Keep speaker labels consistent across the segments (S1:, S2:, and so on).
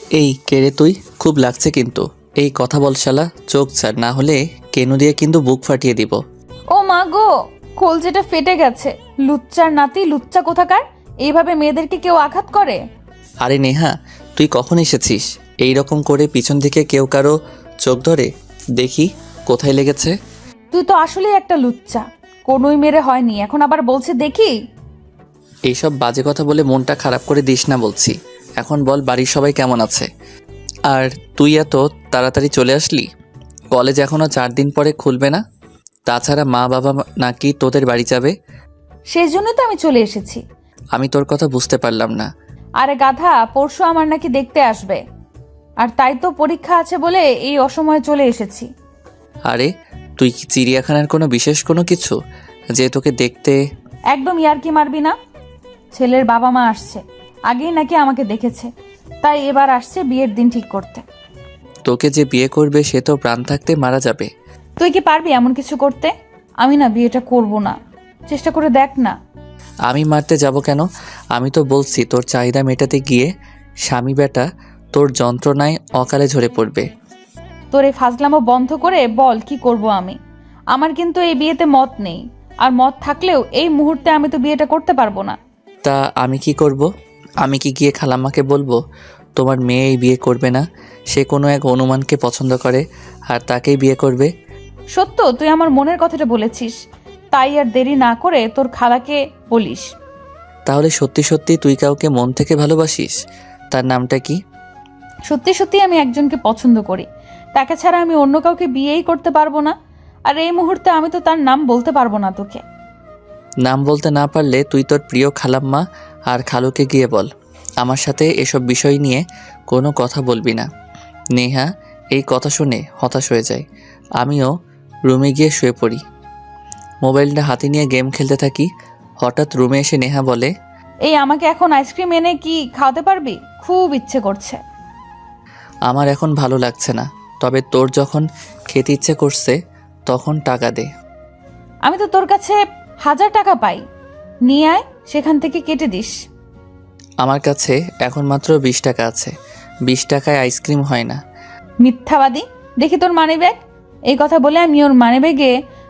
S1: এই কেড়ে তুই খুব লাগছে কিন্তু। এই কথা বল শালা, চোখ ছাড়, না হলে কেনু দিয়ে কিন্তু বুক ফাটিয়ে দিব।
S2: ও মা গো, কলজেটা ফেটে গেছে। লুচ্চার নাতি, লুচ্চা কোথাকার! এইভাবে মেয়েদেরকে কেউ আঘাত করে?
S1: আরে নেহা, তুই কখন এসেছিস? এই রকম করে পিছন থেকে কেউ কারো চোখ ধরে? দেখি কোথায় লেগেছে।
S2: তুই তো আসলেই একটা লুচ্চা। কোনোই মেরে হয়নি, এখন আবার বলছে দেখি।
S1: এইসব বাজে কথা বলে মনটা খারাপ করে দিস না বলছি। এখন বল, বাড়ির সবাই কেমন আছে? আর তুই এত তাড়াতাড়ি চলে আসলি? কলেজ এখনো 4 দিন পরে খুলবে না? তাছাড়া মা বাবা নাকি তোদের বাড়ি যাবে?
S2: সেই জন্য তো আমি চলে এসেছি।
S1: আমি তোর কথা বুঝতে পারলাম না।
S2: আরে গাধা, পরশু আমার নাকি দেখতে আসবে, আর তাই তো পরীক্ষা আছে বলে এই অসময়ে চলে এসেছি।
S1: আরে তুই কি চিড়িয়াখানার কোনো বিশেষ কোনো কিছু যে তোকে দেখতে?
S2: একদম ইয়ার্কি মারবি না। ছেলের বাবা মা আসছে, আগেই নাকি আমাকে দেখেছে, তাই এবার আসছে বিয়ের দিন ঠিক করতে।
S1: তোকে যে বিয়ে করবে সে তো প্রাণ থাকতে মারা যাবে।
S2: তুই কি পারবি এমন কিছু করতে? আমি না বিয়েটা করব না, চেষ্টা করে দেখ না।
S1: আমি মারতে যাব কেন? আমি তো বলছি তোর চাহিদা মেটাতে গিয়ে স্বামী বেটা তোর যন্ত্রণায় অকালে ঝরে পড়বে।
S2: তোর এই ফাজলামো বন্ধ করে বল কি করব আমি। আমার কিন্তু এই বিয়েতে মত নেই, আর মত থাকলেও এই মুহূর্তে আমি তো বিয়েটা করতে পারবো না।
S1: তা আমি কি করব? আমি কি গিয়ে খালাম্মাকে বলবো তোমার মেয়ে এই বিয়ে করবে না? সে কোনো এক অনুমানকে পছন্দ করে আর তাকেই বিয়ে করবে।
S2: সত্য, তুই আমার মনের কথাটা বলেছিস, তাই আর দেরি না করে তোর খালাকে বলিস।
S1: তাহলে সত্যি সত্যি তুই কাউকে মন থেকে ভালোবাসিস? তার নামটা কি?
S2: সত্যি সত্যি আমি একজনকে পছন্দ করি, তাকে ছাড়া আমি অন্য কাউকে বিয়েই করতে পারবো না। আর এই মুহূর্তে আমি তো তার নাম বলতে পারবো না তোকে।
S1: নাম বলতে না পারলে তুই তোর প্রিয় খালাম্মা আর খালুকে গিয়ে বল আমার সাথে এসব বিষয় নিয়ে কোনো কথা বলবি না। নেহা এই কথা শুনে হতাশ হয়ে যায়। আমিও রুমে গিয়ে শুয়ে পড়ি। মোবাইলটা হাতে নিয়ে গেম খেলতে থাকি। হঠাৎ রুমে এসে নেহা বলে,
S2: এই আমাকে এখন আইসক্রিম এনে কি খাওয়াতে পারবি? খুব ইচ্ছে করছে।
S1: আমার এখন ভালো লাগছে না, তবে তোর যখন খেতে ইচ্ছে করছে তখন টাকা দে।
S2: আমি তো তোর কাছে 1000 টাকা পাই, নিয়ে আয়, সেখান থেকে কেটে দিস।
S1: আমার কাছে এখন মাত্র 20 টাকা আছে। 20 টাকায় আইসক্রিম হয় না।
S2: মিথ্যাবাদী, দেখি তোর মানিব্যাগ। এই কথা বলে আমি ওর মানিব্যাগে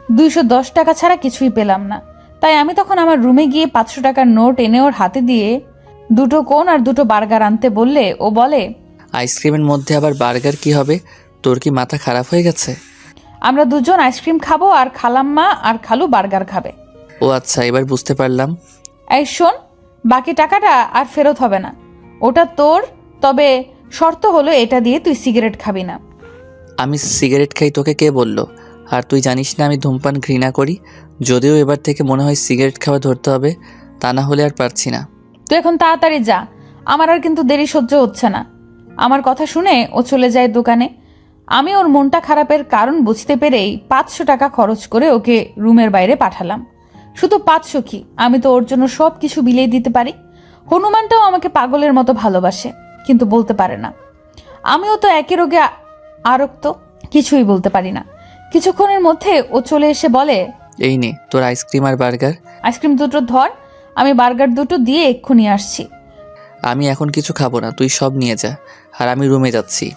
S2: 210 টাকা ছাড়া কিছুই পেলাম না। তাই আমি তখন আমার রুমে গিয়ে 500 টাকার নোট এনে ওর হাতে দিয়ে 2টো কোন আর 2টো বার্গার আনতে বললে ও বলে,
S1: আইসক্রিমের মধ্যে আবার বার্গার কি হবে? তোর কি মাথা খারাপ হয়ে গেছে?
S2: আমরা দুজন আইসক্রিম খাবো আর খালাম্মা আর খালু বার্গার খাবে।
S1: ও আচ্ছা, এবার বুঝতে পারলাম।
S2: এই শোন, বাকি টাকাটা আর ফেরত হবে না, ওটা তোর। তবে শর্ত হলো এটা দিয়ে তুই সিগারেট খাবি না।
S1: আমি সিগারেট খাই তোকে কে বলল? আর তুই জানিস না আমি ধূমপান ঘৃণা করি। যদিও এবার থেকে মনে হয় সিগারেট খাওয়া ধরতে হবে, তা না হলে আর পারছি না।
S2: তুই এখন তাড়াতাড়ি যা, আমার আর কিন্তু দেরি সহ্য হচ্ছে না। আমার কথা শুনে ও চলে যায় দোকানে। আমি ওর মনটা খারাপের কারণ বুঝতে পেরেই 500 টাকা খরচ করে ওকে রুমের বাইরে পাঠালাম। শুধু 500 কি, আমি তো ওর জন্য সব কিছু বিলিয়ে দিতে পারি। হনুমানটাও আমাকে পাগলের মতো ভালোবাসে, কিন্তু বলতে পারে না। আমিও তো একই রোগে আরক্ত, কিছুই বলতে পারি না। কিছুক্ষণের মধ্যে ও চলে এসে বলে,
S1: এই নে তোর আইসক্রিম আর বার্গার।
S2: আইসক্রিম 2টো ধর, আমি বার্গার 2টো দিয়ে এক্ষুনি আসছি।
S1: আমি এখন কিছু খাবো না, তুই সব নিয়ে যা। আর আমি রুমে যাচ্ছি।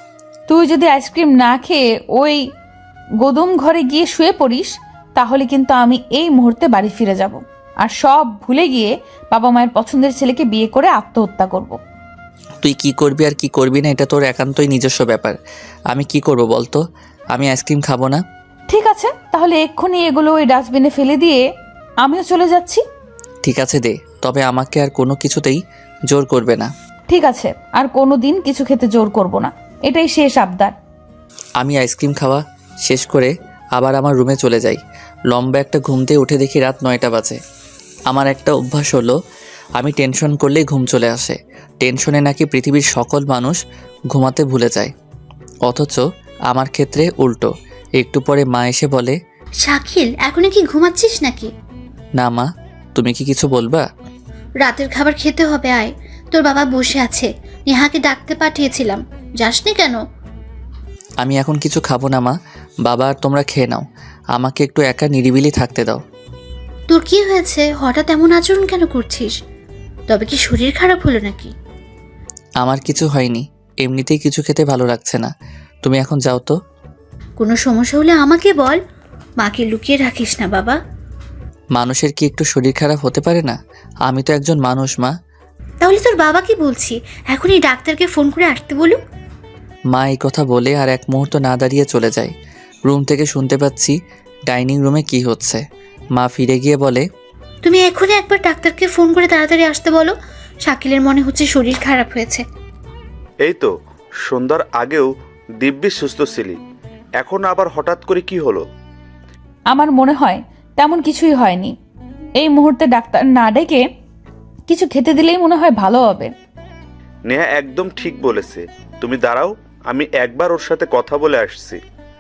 S2: তুই যদি আইসক্রিম না খেয়ে ওই গোদম ঘরে গিয়ে শুয়ে পড়িস, তাহলে কিন্তু আমি এই মুহূর্তে বাড়ি ফিরে যাব, আর সব ভুলে গিয়ে বাবা মায়ের পছন্দের ছেলেকে বিয়ে করে আত্মহত্যা করব।
S1: তুই কি করবি আর কি করবি না এটা তোর একান্তই নিজস্ব ব্যাপার। আমি কি করব বলতো? আমি আইসক্রিম খাবো না।
S2: ঠিক আছে, তাহলে এক্ষুনি এগুলো ওই ডাস্টবিনে ফেলে দিয়ে আমিও চলে যাচ্ছি।
S1: ঠিক আছে দে, তবে আমাকে আর কোনো কিছুতেই জোর করবে না।
S2: ঠিক আছে, আর কোনো দিন কিছু খেতে জোর করব না, এটাই শেষ আবদার।
S1: আমি আইসক্রিম খাওয়া শেষ করে আবার আমার রুমে চলে যাই। লম্বা একটা ঘুম দিয়ে উঠে দেখি রাত 9টা বাজে। আমার একটা অভ্যাস হলো, আমি টেনশন করলেই ঘুম চলে আসে। টেনশনে নাকি পৃথিবীর সকল মানুষ ঘুমাতে ভুলে যায়, অথচ আমার ক্ষেত্রে উল্টো। একটু পরে মা এসে বলে,
S3: শাকিল, এখনো কি ঘুমাচ্ছিস নাকি?
S1: না মা, তুমি কি কিছু বলবা?
S3: রাতের খাবার খেতে হবে, আয়। তোর বাবা বসে আছে, নেহাকে ডাকতে পাঠিয়েছিলাম, যাসনি কেন?
S1: আমি এখন কিছু খাবো না মা, বাবা আর তোমরা খেয়ে নাও। আমাকে একটু একা নিরিবিলি থাকতে দাও।
S3: তোর কি হয়েছে? হঠাৎ এমন আচরণ কেন করছিস? তবে কি শরীর খারাপ হলো নাকি?
S1: আমার কিছু হয়নি, এমনিতেই কিছু খেতে ভালো লাগছে না। তুমি এখন যাও তো।
S3: কোনো সমস্যা হলে আমাকে বল, মাকে লুকিয়ে রাখিস না বাবা।
S1: মানুষের কি একটু শরীর খারাপ হতে পারে না? আমি তো একজন মানুষ মা।
S3: তাহলে তোর বাবাকে বলছি এখনই ডাক্তারকে ফোন করে আসতে বলুক।
S1: মা এই কথা বলে আর এক মুহূর্ত না দাঁড়িয়ে চলে যায়। রুম থেকে শুনতে পাচ্ছি ডাইনিং রুমে কি হচ্ছে। মা ফিরে গিয়ে বলে,
S3: তুমি এখনই একবার ডাক্তারকে ফোন করে তাড়াতাড়ি আসতে বলো। শাকিলের মনে হচ্ছে শরীর খারাপ হয়েছে।
S4: এই তো সন্ধ্যার আগেও দিব্যি সুস্থ ছিলি, এখন আবার হঠাৎ করে কি হলো?
S2: আমার মনে হয় তেমন কিছুই হয়নি। এই মুহূর্তে ডাক্তার না ডেকে কিছু খেতে দিলেই মনে হয় ভালো হবে।
S4: নেহা একদম ঠিক বলেছে, তুমি দাঁড়াও, আমি একবার ওর সাথে কথা বলে আসছি।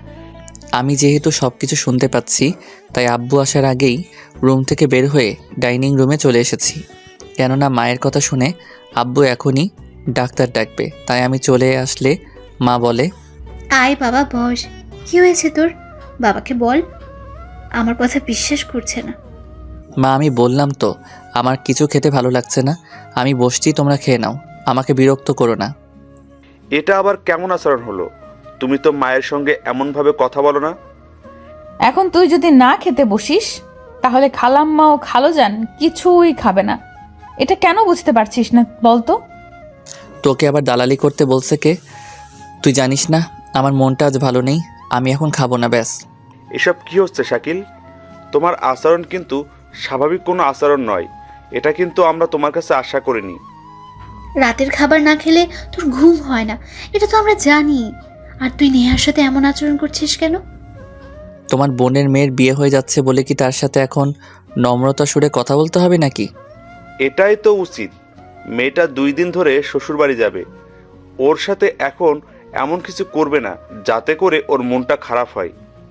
S1: আমি যেহেতু সব কিছু শুনতে পাচ্ছি তাই আব্বু আসার আগেই রুম থেকে বের হয়ে ডাইনিং রুমে চলে এসেছি। কেননা মায়ের কথা শুনে আব্বু এখনই ডাক্তার ডাকবে, তাই আমি চলে আসলে মা বলে,
S3: আয় বাবা বস। কি হয়েছে তোর? বাবাকে বল। আমার কথা বিশ্বাস করছে না।
S1: মা আমি বললাম তো আমার কিছু খেতে ভালো লাগছে না, আমি বসছি, তোমরা খেয়ে নাও, আমাকে বিরক্ত করো না।
S4: এটা আবার কেমন আচরণ হলো? তুমি তো মায়ের সঙ্গে এমনভাবে কথা বলো না।
S2: এখন তুই যদি না খেতে বসিস তাহলে খালাম্মা ও খালোজান কিছুই খাবে না। এটা কেন বুঝতে পারছিস না বলতো?
S1: তোকে আবার দালালি করতে বলছে কে? তুই জানিস না আমার মনটা আজ ভালো নেই, আমি এখন খাবো না, ব্যাস।
S4: এসব কি হচ্ছে শাকিল? তোমার আচরণ কিন্তু স্বাভাবিক কোনো আচরণ নয়, এটা কিন্তু আমরা তোমার কাছে আশা করিনি।
S3: রাতের খাবার না খেলে তোর ঘুম হয় না, এটা তো আমরা জানি। আর তুই নেহার সাথে এমন আচরণ করছিস কেন?
S1: তোমার বোনের মেয়ের বিয়ে হয়ে যাচ্ছে বলে কি তার সাথে এখন নম্রতা সুরে কথা বলতে হবে নাকি?
S4: এটাই তো উচিত। মেয়েটা 2 দিন ধরে শ্বশুরবাড়ি যাবে, ওর সাথে এখন এমন কিছু করবে না যাতে করে ওর মনটা খারাপ হয়।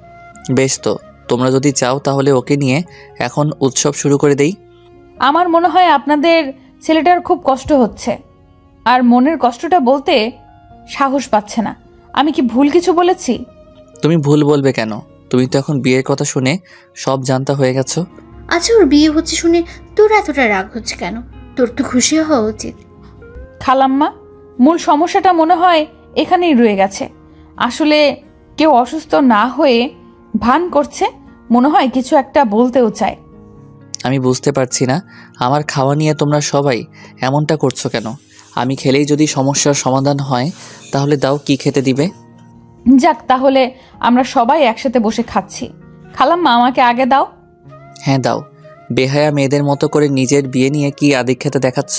S1: বেশ, তো তোমরা যদি চাও তাহলে ওকে নিয়ে এখন উৎসব শুরু করে দেই।
S2: আমার মনে হয় আপনাদের ছেলেটার খুব কষ্ট হচ্ছে, আর মনের কষ্টটা বলতে সাহস পাচ্ছে না। আমি কি ভুল কিছু বলেছি?
S1: তুমি ভুল বলবে কেন? তুমি তো এখন বিয়ের কথা শুনে সব জানতা হয়ে গেছো।
S3: আচ্ছা, ওর বিয়ে হচ্ছে শুনে তোর এতটা রাগ হচ্ছে কেন? তোর তো খুশি হওয়া উচিত।
S2: খালাম্মা, মূল সমস্যাটা মনে হয় এখানেই রয়ে গেছে। আসলে কেউ অসুস্থ না হয়ে ভান করছে, মনে হয় কিছু একটা বলতেও চায়।
S1: আমি বুঝতে পারছি না আমার খাওয়া নিয়ে তোমরা সবাই এমনটা করছো কেন? আমি খেলেই যদি সমস্যার সমাধান হয় তাহলে দাও, কি খেতে দিবে?
S2: যাক, তাহলে আমরা সবাই একসাথে বসে খাচ্ছি। খালাম্মা, আমাকে আগে দাও।
S1: হ্যাঁ দাও। বেহায়া মেয়েদের মতো করে নিজের বিয়ে নিয়ে কি আদিক্ষেতা দেখাচ্ছ?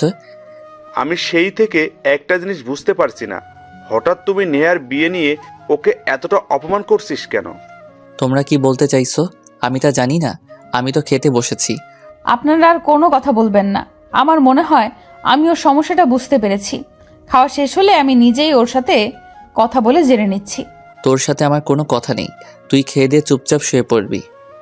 S4: আমি সেই থেকে একটা জিনিস বুঝতে পারছি না, হঠাৎ তুমি নেহার বিয়ে নিয়ে ওকে এতটা অপমান করছিস কেন?
S1: তোমরা কি বলতে চাইছো আমি তা জানি না, আমি তো খেতে বসেছি।
S2: আপনারা আর কোনো কথা বলবেন না। আমার মনে হয় আমি ওর সমস্যাটা বুঝতে পেরেছি। খাওয়া শেষ হলে আমি নিজেই ওর সাথে কথা বলে জেনে নিচ্ছি।
S1: তোর সাথে আমার কোনো কথা নেই, তুই খেয়ে দিয়ে চুপচাপ শুয়ে পড়বি।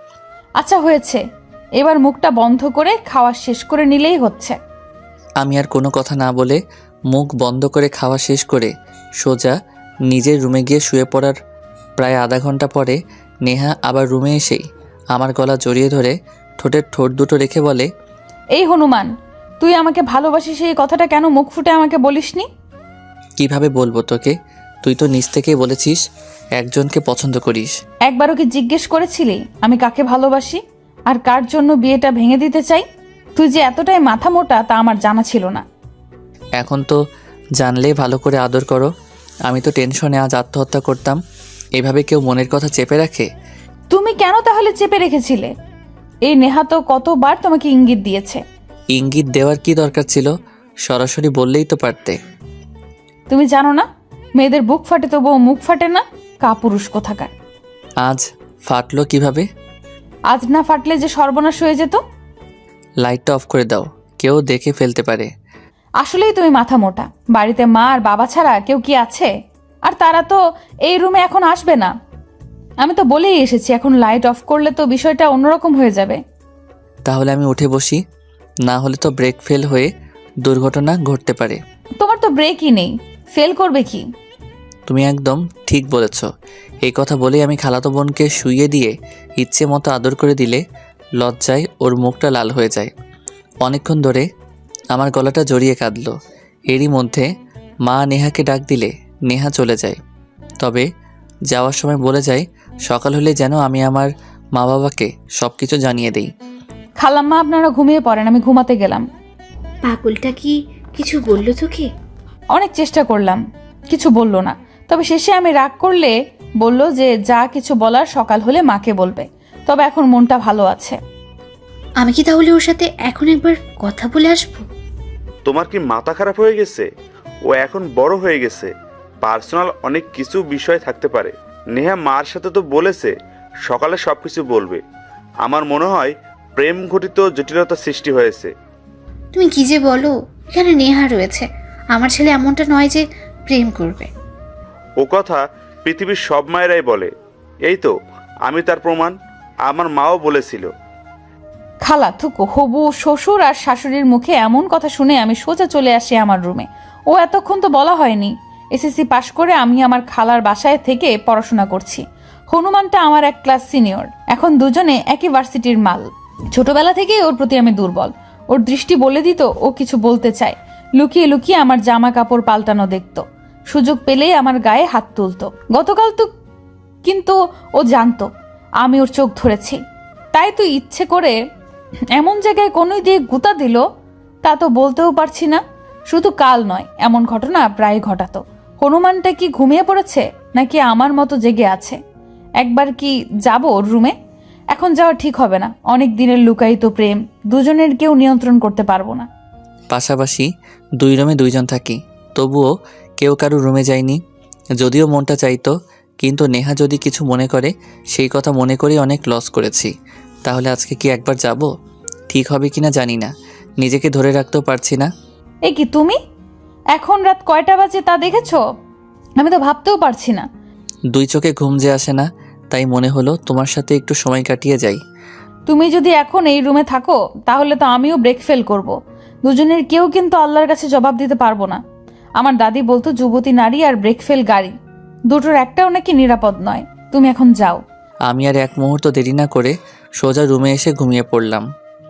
S2: আচ্ছা হয়েছে, এবার মুখটা বন্ধ করে খাওয়া শেষ করে নিলেই হচ্ছে।
S1: আমি আর কোনো কথা না বলে মুখ বন্ধ করে খাওয়া শেষ করে সোজা নিজের রুমে গিয়ে শুয়ে পড়ার প্রায় আধা ঘন্টা পরে নেহা আবার রুমে এসেই আমার গলা জড়িয়ে ধরে ঠোঁটের ঠোঁট দুটো রেখে বলে,
S2: এই হনুমান, তুই আমাকে ভালোবাসিস এই কথাটা কেন মুখ ফুটে আমাকে বলিসনি?
S1: কিভাবে বলবো তোকে? তুই তো নিজ থেকেই বলেছিস একজনকে পছন্দ করিস।
S2: একবারও কি জিজ্ঞেস করেছিলি আমি কাকে ভালোবাসি আর কার জন্য বিয়েটা ভেঙে দিতে চাই? তুই যে এতটাই মাথা মোটা তা আমার জানা ছিল না।
S1: এখন তো জানলে ভালো করে আদর করো। আমি তো টেনশনে আজ আত্মহত্যা করতাম। এভাবে কেউ মনের কথা চেপে রাখে?
S2: তুমি কেন তাহলে চেপে রেখেছিলে? এই নেহা তো কতবার তোমাকে ইঙ্গিত দিয়েছে।
S1: ইঙ্গিত দেওয়ার কি দরকার ছিল? সরাসরি বললেই তো পারতে।
S2: তুমি জানো না মেয়েদের বুক ফাটে তবুও মুখ ফাটে না? কাপুরুষ কোথাকার।
S1: আজ ফাটলো কিভাবে?
S2: আজ না ফাটলে যে সর্বনাশ হয়ে যেত।
S1: লাইটটা অফ করে দাও, কেউ দেখে ফেলতে পারে।
S2: আসলেই তুমি মাথা মোটা। বাড়িতে মা আর বাবা ছাড়া কেউ কি আছে? আর তারা তো এই রুমে এখন আসবে না। আমি তো বলেই এসেছি এখন লাইট অফ করলে তো বিষয়টা অন্যরকম হয়ে যাবে।
S1: তাহলে আমি উঠে বসি, না হলে তো ব্রেক ফেল হয়ে দুর্ঘটনা ঘটতে পারে।
S2: তোমার তো ব্রেকই নেই, ফেল করবে কি?
S1: তুমি একদম ঠিক বলেছ। এই কথা বলেই আমি খালাতো বোনকে শুইয়ে দিয়ে ইচ্ছে মতো আদর করে দিলে লজ্জায় ওর মুখটা লাল হয়ে যায়। অনেকক্ষণ ধরে আমার গলাটা জড়িয়ে কাঁদলো। এরই মধ্যে মা নেহাকে ডাক দিলে নেহা চলে যায়। তবে যাওয়ার সময় বলে যায় সকাল হলে যেন আমি আমার মা বাবাকে সব কিছু জানিয়ে দিই।
S2: খালাম্মা আপনারা ঘুমিয়ে পড়েন, আমি ঘুমাতে গেলাম।
S3: পাগলটা কি কিছু বললো তোকে?
S2: অনেক চেষ্টা করলাম, কিছু বলল না। তবে শেষে আমি রাগ করলে বলল যে যা কিছু বলার সকাল হলে মাকে বলবে। তবে এখন মনটা ভালো আছে।
S3: আমি কি তাহলে ওর সাথে এখন একবার কথা বলে আসবো?
S4: তোমার কি মাথা খারাপ হয়ে গেছে? ও এখন বড় হয়ে গেছে, পার্সোনাল অনেক কিছু বিষয় থাকতে পারে। নেহা মার সাথে তো বলেছে সকালে সব কিছু বলবে। আমার মনে হয় প্রেম ঘটিত জটিলতা সৃষ্টি হয়েছে।
S3: তুমি কি যে বলো, এখানে নেহা রয়েছে। আমার ছেলে এমনটা নয় যে প্রেম করবে।
S4: ও কথা পৃথিবীর সব মায়েরাই বলে। এই তো আমি তার প্রমাণ। আমার মাও বলেছিল।
S2: খালা থুকু হবু শ্বশুর আর শাশুড়ির মুখে এমন কথা শুনে আমি সোজা চলে আসি আমার রুমে। ও এতক্ষণ তো বলা হয়নি। এসএসসি পাশ করে আমি আমার খালার বাসায় থেকে পড়াশোনা করছি। হনুমানটা আমার এক ক্লাস সিনিয়র, এখন দুজনে একই ভার্সিটির মাল। ছোটবেলা থেকেই ওর প্রতি আমি দুর্বল। ওর দৃষ্টি বলে দিত ও কিছু বলতে চায়। লুকিয়ে লুকিয়ে আমার জামা কাপড় পাল্টানো দেখতো, সুযোগ পেলেই আমার গায়ে হাত তুলতো। গতকাল তো কিন্তু ও জানতো আমি ওর চোখ ধরেছি, তাই তো ইচ্ছে করে এমন জায়গায় কোনোই দিয়ে গুতা দিল তা তো বলতেও পারছি না। শুধু কাল নয়, এমন ঘটনা প্রায় ঘটাতো। হনুমানটা কি ঘুমিয়ে পড়েছে নাকি আমার মতো জেগে আছে? একবার কি যাব ওর রুমে? এখন যাওয়া ঠিক হবে না। অনেক দিনের লুকায়িত প্রেম, দুজনের কেউ নিয়ন্ত্রণ করতে পারবো না।
S1: পাশাপাশি 2 রুমে 2 জন থাকি, তবুও কেউ কারো রুমে যায়নি। যদিও মনটা চাইতো, কিন্তু নেহা যদি কিছু মনে করে সেই কথা মনে করেই অনেক লস করেছি। তাহলে আজকে কি একবার যাব? ঠিক হবে কিনা জানি না, নিজেকে ধরে রাখতেও পারছি না।
S2: এ কি তুমি? এখন রাত কয়টা বাজে তা দেখেছো? আমি তো ভাবতেও পারছি না।
S1: 2 চোখে ঘুম যে আসে না, তাই মনে হলো তোমার সাথে একটু সময় কাটিয়ে যাই।
S2: তুমি যদি এখন এই রুমে থাকো তাহলে তো আমিও ব্রেক ফেল করব। দুজনের কেউ কিন্তু আল্লাহর কাছে জবাব দিতে পারবো না। আমার দাদি বলতো যুবতী নারী আর ব্রেক ফেল গাড়ি দুটোর একটাও নাকি নিরাপদ নয়। তুমি এখন যাও।
S1: আমি আর এক মুহূর্ত দেরি না করে সোজা রুমে এসে ঘুমিয়ে পড়লাম।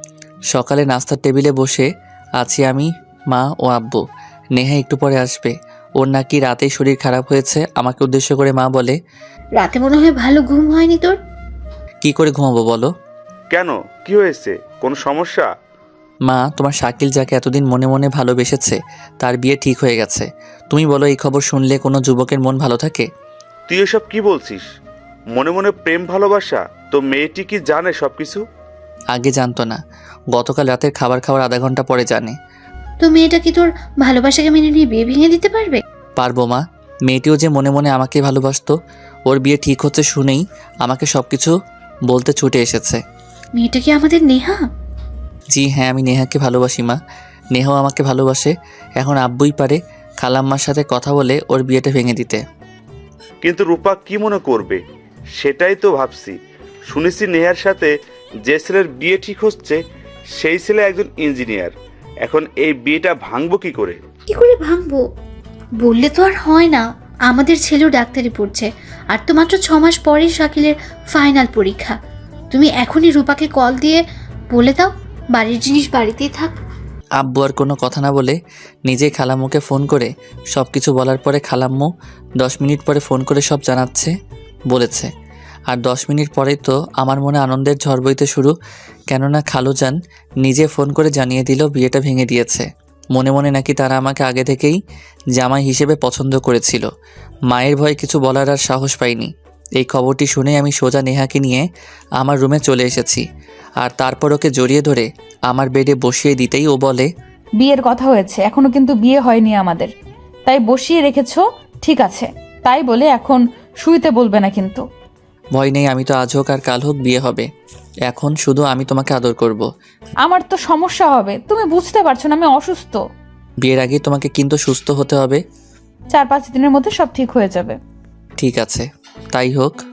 S1: সকালে নাস্তার টেবিলে বসে আছি আমি, মা ও আব্বু। নেহা একটু পরে আসবে। ওর নাকি রাতেই শরীর খারাপ হয়েছে। আমাকে উদ্দেশ্য করে মা বলে,
S3: রাতে মনে হয় ভালো ঘুম হয়নি তোর?
S1: কি করে ঘুমাবো বলো?
S4: কেন, কি হয়েছে? কোনো সমস্যা?
S1: মা, তোমার শাকিল যাকে এতদিন মনে মনে ভালোবেসেছে তার বিয়ে ঠিক হয়ে গেছে। তুমি বলো, এই খবর শুনলে কোনো যুবকের মন ভালো থাকে?
S4: তুই এসব কি বলছিস? মনে মনে প্রেম ভালোবাসা? তো মেয়েটি কি জানে সব কিছু?
S1: আগে জানতো না, গতকাল রাতের খাবার খাওয়ার আধা ঘন্টা পরে জানে।
S3: তো মেয়েটা কি তোর ভালোবাসাকে মেনে নিয়ে বিয়ে ভেঙে দিতে পারবে?
S1: পারবো মা। মেয়েটিও যে মনে মনে আমাকে ভালোবাসতো, ওর বিয়ে ঠিক হচ্ছে শুনেই আমাকে সব কিছু বলতে ছুটে এসেছে।
S3: মেয়েটা কি আমাদের নেহা?
S1: জি হ্যাঁ, আমি নেহাকে ভালোবাসি মা। নেহাও আমাকে ভালোবাসে। এখন আব্বুই পারে খালাম্মার সাথে কথা বলে ওর বিয়েটা ভেঙে দিতে।
S4: কিন্তু রূপা কি মনে করবে সেটাই তো ভাবছি। শুনেছি নেহার সাথে যে ছেলের বিয়ে ঠিক হচ্ছে সেই ছেলে একজন ইঞ্জিনিয়ার। এখন এই বিয়েটা ভাঙবো কি করে?
S3: কি করে ভাঙবো? বললে তো আর হয় না। আমাদের ছেলেও ডাক্তারি পড়ছে, আর তো মাত্র 6 মাস পরেই শাকিলের ফাইনাল পরীক্ষা। তুমি এখনই রূপাকে কল দিয়ে বলে দাও বাড়ির জিনিস বাড়িতেই থাক।
S1: আব্বু আর কোনো কথা না বলে নিজেই খালাম্মুকে ফোন করে সব কিছু বলার পরে খালাম্মু 10 মিনিট পরে ফোন করে সব জানাচ্ছে বলেছে। আর 10 মিনিট পরেই তো আমার মনে আনন্দের ঝড় বইতে শুরু, কেননা খালুজান নিজে ফোন করে জানিয়ে দিল বিয়েটা ভেঙে দিয়েছে। মনে মনে নাকি তারা আমাকে আগে থেকেই জামাই হিসেবে পছন্দ করেছিল। মায়ের ভয়ে কিছু বলার আর সাহস পাইনি। এই খবরটি শুনে আমি সোজা নেহাকে নিয়ে আমার রুমে চলে এসেছি। আর তারপর ওকে জড়িয়ে ধরে আমার বেডে বসিয়ে দিতেই ও বলে,
S2: বিয়ের কথা হয়েছে, এখনো কিন্তু বিয়ে হয়নি আমাদের, তাই বসিয়ে রেখেছো ঠিক আছে। তাই বলে এখন শুইতে বলবে না কিন্তু।
S1: ভয় নেই, আমি তো আজ হোক আর কাল হোক বিয়ে হবে। এখন শুধু আমি তোমাকে আদর করব।
S2: আমার তো সমস্যা হবে, তুমি বুঝতে পারছো না আমি অসুস্থ।
S1: বিয়ের আগে তোমাকে কিন্তু সুস্থ হতে হবে।
S2: 4-5 দিনের মধ্যে সব ঠিক হয়ে যাবে।
S1: ঠিক আছে, তাই হোক।